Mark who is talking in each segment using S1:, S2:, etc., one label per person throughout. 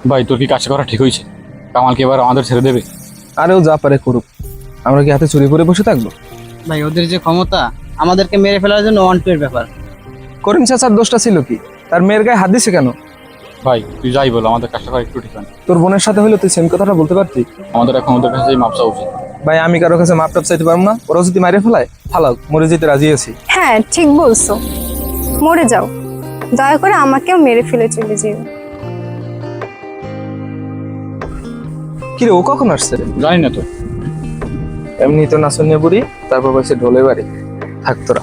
S1: ভাই তোর কি কাজটা করা ঠিক হয়েছে? কামালকে এবার আমাদের ছেড়ে দেবে?
S2: আরেও যা পারে করুক, আমরা কি হাতে চুরি করে বসে থাকবো?
S3: ভাই ওদের যে ক্ষমতা, আমাদেরকে মেরে ফেলার জন্য ওয়ান টু এর ব্যাপার।
S2: করিম চাচার দোষটা ছিল কি? তার মেয়ের গায়ে হাত দিছে কেন?
S1: ভাই তুই যাই বল, আমাদের কাজটা করা একটু ঠিক হয় না।
S2: তোর বোনের সাথে হলে তুই সেম কথাটা বলতে পারতি।
S1: আমাদের এখন ওদের কাছে মাপ চাওয়া উচিত।
S2: ভাই আমি কারো কাছে মাপ টাপ চাইতে পারবো না, ওরা যদি মারে ফেলায় ফালাও, মরে যেতে রাজি আছি।
S4: হ্যাঁ ঠিক বলছো, মরে যাও, দয়া করে আমাকেও মেরে ফেলে চলে যেও।
S2: কিরে ও কখন আসছে?
S1: জানি না তো।
S2: এমনি তো নাচনিয়া বুড়ি, তারপর বলছে ঢোলে বাড়ি, থাক তোরা।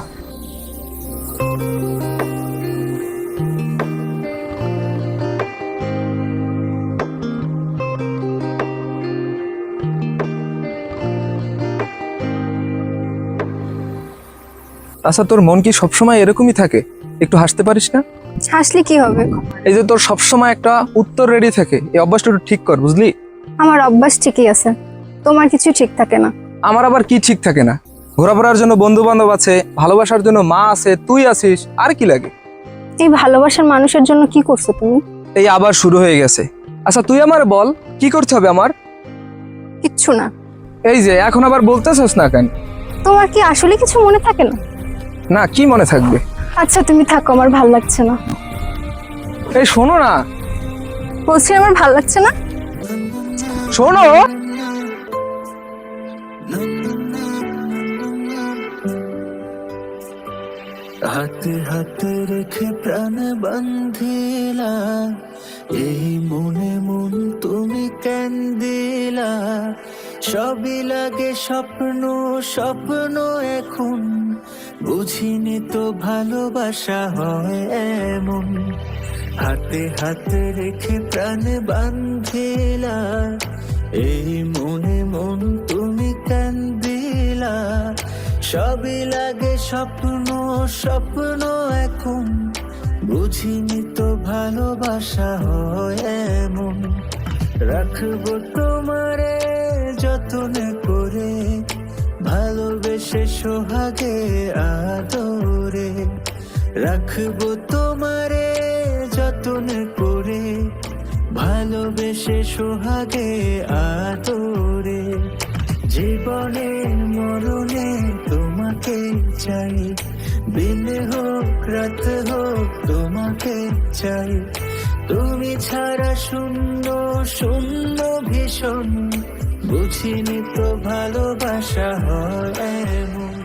S2: আচ্ছা তোর মন কি সবসময় এরকমই থাকে? একটু হাসতে পারিস না?
S4: হাসলে কি হবে?
S2: এই যে তোর সবসময় একটা উত্তর রেডি থাকে, এই অভ্যাসটা একটু ঠিক কর, বুঝলি?
S4: আমার অভ্যাস ঠিকই আছে, তোমার কিছু ঠিক থাকে না।
S2: আমার আবার কি ঠিক থাকে না? ঘোরাফেরার জন্য বন্ধু বান্ধব আছে, ভালোবাসার জন্য মা আছে, তুই আছিস, আর কি লাগে?
S4: এই ভালোবাসার মানুষের জন্য কি করছো তুমি?
S2: এই আবার শুরু হয়ে গেছে। আচ্ছা তুই আমার বল, কি করতে হবে আমার?
S4: কিচ্ছু না।
S2: এই যে এখন আবার বলতেছস না কেন?
S4: তোমার কি আসলে কিছু মনে থাকে না?
S2: না, কি মনে থাকবে?
S4: আচ্ছা তুমি থাকো, আমার ভাল লাগছে না।
S2: এই শোনো না,
S4: বলছি আমার ভাল লাগছে না।
S2: শোনো।
S5: হাতে হাতে রেখে প্রাণ বান্ধিলা, এই মনে মন তুমি কেন দিলা? সবই লাগে স্বপ্ন স্বপ্ন এখন, বুঝিনি তো ভালোবাসা হয় এমন। হাতে হাতে রেখে প্রাণ বান্ধিলা, এই মনে মন তুমি কেন দিলা? সবই লাগে স্বপ্ন স্বপ্ন এখন, বুঝিনি তো ভালোবাসা হয় এমন। রাখবো তোমারে যতনে করে, ভালোবেসে সোহাগে আদরে। রাখবো তোমারে যতনে করে, ভালোবেসে সোহাগে আদরে। জীবনে মরণে তোমাকে চাই, দিন হোক রাত হোক তোমাকে চাই। তুমি ছাড়া শূন্য শূন্য ভীষণ, বুঝিনি তো ভালোবাসা হয় এমন।